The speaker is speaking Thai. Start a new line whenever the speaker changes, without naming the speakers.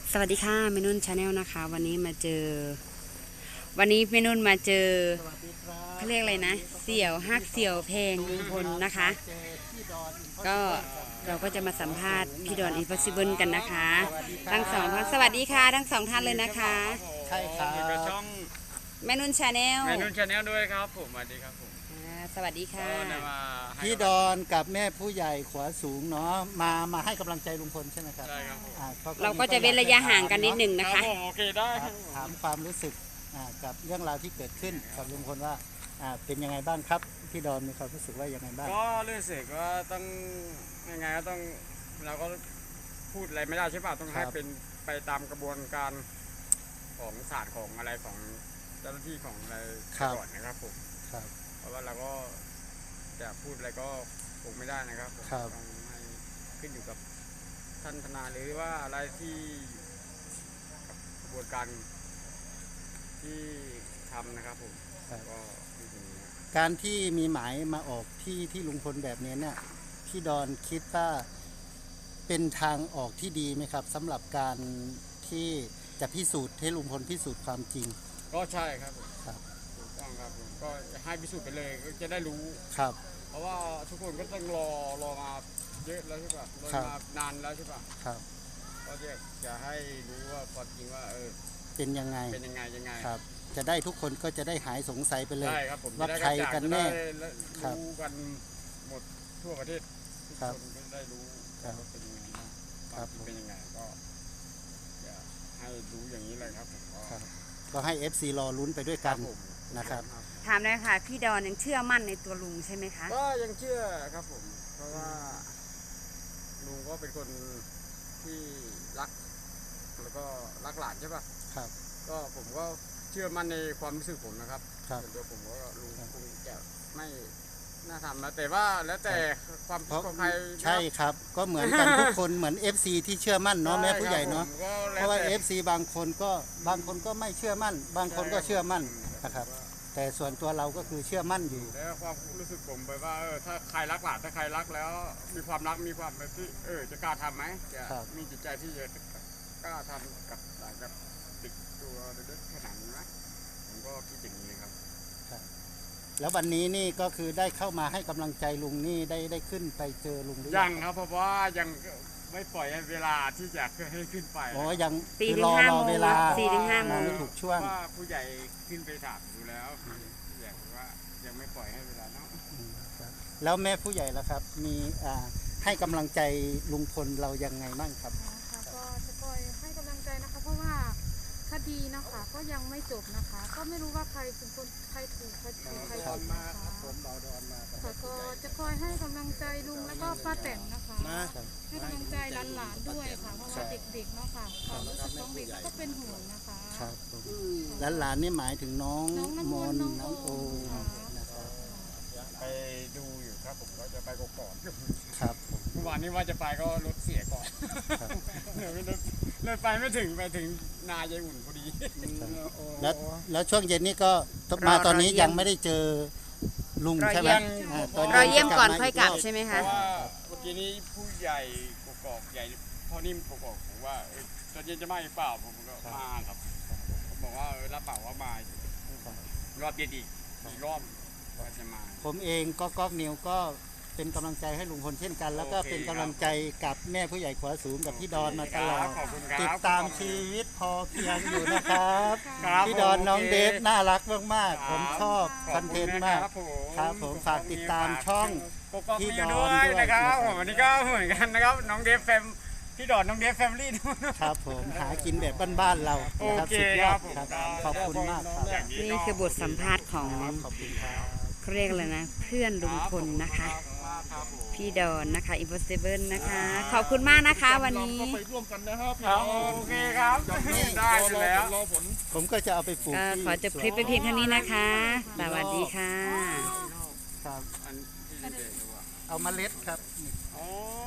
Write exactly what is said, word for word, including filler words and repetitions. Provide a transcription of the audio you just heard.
สวัสดีค่ะเมนุ่นชาแนลนะคะวันนี้มาเจอวันนี้เมนุ่นมาเจอเขาเรียกอะไรนะเสี่ยวฮักเสี่ยวเพลงลุงพลนะคะก็เราก็จะมาสัมภาษณ์พี่ดอนอินพอสิเบิลกันนะคะทั้งสองท่านสวัสดีค่ะทั้งสองท่านเลยนะคะ
ใช่ครับ
ช่อง
เมนุ่นชาแนล
เมนุ่นชาแนลด้วยครับผมสวัสดีครับผม
สวัสดีค่ะ
พี่ดอนกับแม่ผู้ใหญ่ขวาสูงเนาะมามาให้กำลังใจลุงพลใช่ไหมครับ
ใช่ครับ
เราก็จะเว้นระยะห่างกันนิดหนึ่งนะคะ
โอเคได้
ถามความรู้สึกกับเรื่องราวที่เกิดขึ้นกับลุงพลว่าเป็นยังไงบ้างครับพี่ดอนมีความรู้สึกว่ายังไงบ้าง
ก็รู้สึกว่าต้องยังไงก็ต้องเราก็พูดอะไรไม่ได้ใช่ป่ะต้องให้เป็นไปตามกระบวนการของศาสตร์ของอะไรของเจ้าหน้าที่ของอะไรก่อนนะครับผมเพราะว่าเราก็จะพูดอะไรก็คงไม่ได้นะครับต้องให้ขึ้นอยู่กับท่านทนายหรือว่าอะไรที่กระบวนการที่ทำนะครับผมก็
การที่มีหมายมาออกที่ที่ลุงพลแบบนี้เนี่ยพี่ดอนคิดว่าเป็นทางออกที่ดีไหมครับสำหรับการที่จะพิสูจน์ให้ลุงพลพิสูจน์ความจริง
ก็ใช่ครับผมถูกต้องครับผมก็ให้พิสูจน์ไปเลยก็จะได้รู้
ครับ
เพราะว่าทุกคนก็ต้องรอรอมาเยอะแล้วใช่ป่ะรอมานานแล้วใช่ป่ะ
ครับ
ก็จะจะให้รู้ว่าความจริงว่าเออ
เป็นยังไง
เป็นยังไงยังไง
ครับจะได้ทุกคนก็จะได้หายสงสัยไปเลย
ว่า
ใครกันแน่
รู้กันหมดทั่วประเทศทุกคนก็ได้รู้ว่าเป็นยังไงบ้างความจริงเป็นยังไงก็จะให้รู้อย่างนี้เลยครับผม
ก็ให้ เอฟ ซี รอลุ้นไปด้วยกันนะครับ
ถามเลยค่ะพี่ดอนยังเชื่อมั่นในตัวลุงใช่ไหมคะ
ก็ยังเชื่อครับผมเพราะว่าลุงก็เป็นคนที่รักแล้วก็รักหลานใช่ป่ะ
ครับ
ก็ผมก็เชื่อมั่นในความรู้สึกผมนะครับ
ครับ
ส่วนตัวผมก็ลุงคงจะไม่น่าทำนะแต่ว่าแล้วแต่ความคิดของใคร
ใช่ครับก็เหมือนกันทุกคนเหมือน เอฟ ซี ที่เชื่อมั่นเนาะแม่ผู้ใหญ่เนาะเพราะว่า เอฟ ซี บางคนก็บางคนก็ไม่เชื่อมั่นบางคนก็เชื่อมั่นนะครับแต่ส่วนตัวเราก็คือเชื่อมั่นอยู่
แล้วความรู้สึกผมไปว่าเออถ้าใครรักหลานถ้าใครรักแล้วมีความรักมีความแบบที่เออจะกล้าทำไหมจะมีจิตใจที่จะกล้าทำกับหลานกับติดตัวเด็กขนาดนี้ไหมผมก็คิดอย่างนี้ครับ
แล้ววันนี้นี่ก็คือได้เข้ามาให้กำลังใจลุงนี่ได้ได้ขึ้นไปเจอลุงหรือ
ยังครับเพราะว่ายังไม่ปล่อยเวลาที่จะให้ขึ้นไป
อ๋อยัง
คือรอรอเวลาสี่ถึงห้าโมง
ไม่ถูกช่วง
ว่าผู้ใหญ่ขึ้นไปถามอยู่แล้วอยากว่ายังไม่ปล่อยให้เวลาเนาะ
แล้วแม่ผู้ใหญ่ล่ะครับมีให้กำลังใจลุงพลเรายังไงบ้างครับ
ก็จะคอยให้กำลังใจนะคะเพราะว่าคดีนะคะก็ยังไม่จบนะคะก็ไม่รู้ว่าใครเป็นคนใครถูกใครผิดใครผิดนะคะค่ะก็จะคอยให้กำลังใจลุงแล้วก็ป้าแตนนะคะให้กำลังใจหลานๆด้วยค่ะเพราะว่าเด็กๆเนาะค่ะความรู้สึกของเด็กก็เป็นห่วงนะคะ
ครับหลานๆนี่หมายถึงน้องมนน้องโอ
ไปดูอยู่ครับผมก็จะไปก่อน
ครับ
เมื่อวานนี้ว่าจะไปก็รถเสียก่อนเดี๋ยวเลยไปไม่ถึงไปถึงนายายอุ่นพอดี
แล้วแล้วช่วงเย็นนี้ก็มาตอนนี้ยังไม่ได้เจอลุงใช่ไหม
เราเยี่ยมก่อนค่อยกลับใช่ไหมคะ
เพราะว่าเมื่อกี้นี้ผู้ใหญ่กกอกใหญ่พ่อนิ่มกกอกผมว่าตอนเย็นจะมาอีกเปล่าผมก็มาครับผมบอกว่ารับเปล่าว่ามารอบเย็นอีกอีกรอบจะมา
ผมเองก็ก๊อกนิวก็เป็นกำลังใจให้ลุงพลเช่นกันแล้วก็เป็นกำลังใจกับแม่ผู้ใหญ่ขวาสูงกับพี่ดอนมาตลอดติดตามชีวิตพอเพียงอยู่นะครับพี่ดอนน้องเดฟน่ารักมากๆผมชอบคอนเทนต์มากครับผมฝากติดตามช่อง
พี่ดอนด้วยนะครับวันนี้ก็เหมือนกันนะครับน้องเดฟแฟมพี่ดอนน้องเดฟแฟมิลี่
ครับผมหากินแบบบ้านๆเรานะครับสุดยอดครับขอบคุณมากครับ
นี่คือบทสัมภาษณ์ของเขาเรียกเลยนะเพื่อนลุงพลนะคะพี่ดอนนะคะอิมพอสิเบิลนะคะขอบคุณมากนะคะวันนี้
ไปร่วมกันนะครับโอเคครับได้แล้ว
ผมก็จะเอาไปปลูก
ขอจบคลิปไปเพียงเท่านี้นะคะสวัสดีค่ะ
ครับเอาเมล็ดครับ